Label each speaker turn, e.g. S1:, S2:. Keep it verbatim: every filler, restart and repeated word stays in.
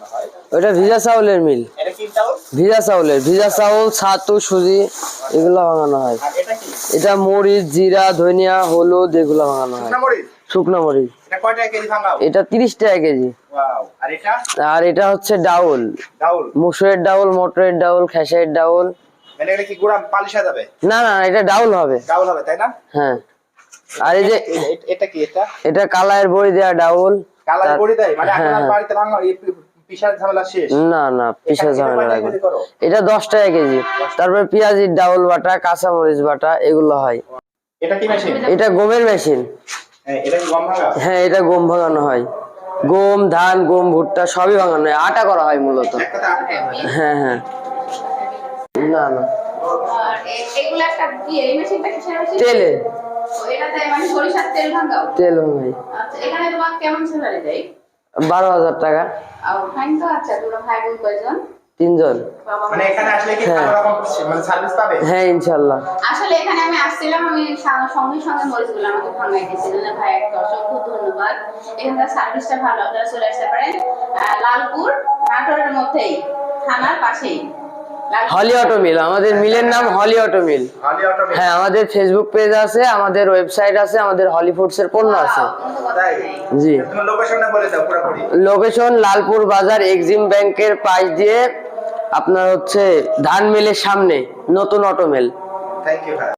S1: ওটা ভিজা চাউলের মিল।
S2: এটা কি চাউল?
S1: ভিজা চাউলের, ভিজা চাউল, ছাতু, সুজি এগুলো ভাঙানো হয়।
S2: আর এটা কি?
S1: এটা মরিচ, জিরা, ধনিয়া, হলুদ এগুলো ভাঙানো হয়।
S2: শুকনা মরিচ?
S1: শুকনা মরিচ।
S2: এটা কয় টাকা কেজি ভাঙাও?
S1: এটা তিরিশ টাকা কেজি।
S2: ওয়াও। আর এটা?
S1: আর এটা হচ্ছে ডাউল।
S2: ডাউল।
S1: মুসুরের ডাউল, মটরের ডাউল, খেসারির ডাউল।
S2: মানে এটা কি গুড়া পালিশ হয়ে যাবে?
S1: না না, এটা ডাউল হবে।
S2: ডাউল হবে তাই না?
S1: হ্যাঁ। আর এই যে
S2: এটা কি? এটা
S1: এটা কালায়ের বড়ি দেয়া ডাউল।
S2: কালার বড়ি দেয় মানে
S1: হ্যাঁ,
S2: আপনার
S1: হ্যাঁ।
S2: বাড়িতে ভাঙা এই পিসার ঝামেলা শেষ?
S1: না না, পিসা
S2: এখানে
S1: ঝামেলা
S2: কয় টাকা
S1: লাগে।
S2: কেজি করো?
S1: এটা দশ টাকা কেজি। তারপরে পেঁয়াজির ডাউল বাটা, কাঁচা মরিচ বাটা এগুলো হয়।
S2: এটা কি মেশিন?
S1: এটা গমের মেশিন।
S2: হ্যাঁ, এটা কি গম ভাঙা?
S1: হ্যাঁ, এটা গম ভাঙানো হয়। গম, ধান, গম, ভুট্টা সবই ভাঙানো হয়, আটা করা হয় মূলত।
S2: এক কথা আটকে হয়।
S1: হ্যাঁ হ্যাঁ। না না,
S3: আর এ- এগুলা একটা কি এই মেশিনটা কিসের মেশিন?
S1: তেলে
S3: ও, এটাতে মানে সরিষার তেল ভাঙাও?
S1: তেল ভাঙাই।
S3: আচ্ছা, এখানে তোমার কেমন স্যালারি দেয়?
S1: বারো হাজার টাকা।
S3: আর ফাইন তো আচ্ছা, তোমরা ভাই বোন কয়জন?
S1: তিনজন।
S3: বাবা
S2: মানে
S3: মা?
S2: এখানে আসলে কি
S1: হ্যাঁ।
S2: ভালো রকম মানে সার্ভিস পাবে?
S1: হ্যাঁ ইনশাল্লাহ।
S3: আসলে এখানে আমি আসছিলাম, আমি সা- সঙ্গে সঙ্গে মরিচগুলো আমাকে ভাঙাই দিয়েছিলেন ভাই, একটা অসংখ্য ধন্যবাদ। এখানকার সার্ভিসটা ভালো, আপনারা চলে আসতে পারেন আহ, লালপুর নাটোরের মধ্যেই, থানার পাশেই লালপুর।
S1: হলি অটো মিল, আমাদের মিলের নাম হলি অটো মিল।
S2: হলি অটো মিল।
S1: হ্যাঁ, আমাদের ফেসবুক পেজ আছে, আমাদের ওয়েবসাইট আছে, আমাদের হলি ফুডস এর পণ্য আছে।
S3: Wow, কোনো কথা
S2: তাই?
S3: নেই।
S1: জি।
S2: তুমি লোকেশনটা বলে দাও পুরোপুরি।
S1: লোকেশন লালপুর বাজার, এক্সিম ব্যাংকের পাশ দিয়ে আপনার হচ্ছে ধান মিলের সামনে নতুন অটো মিল।
S2: থ্যাংক ইউ ভাই।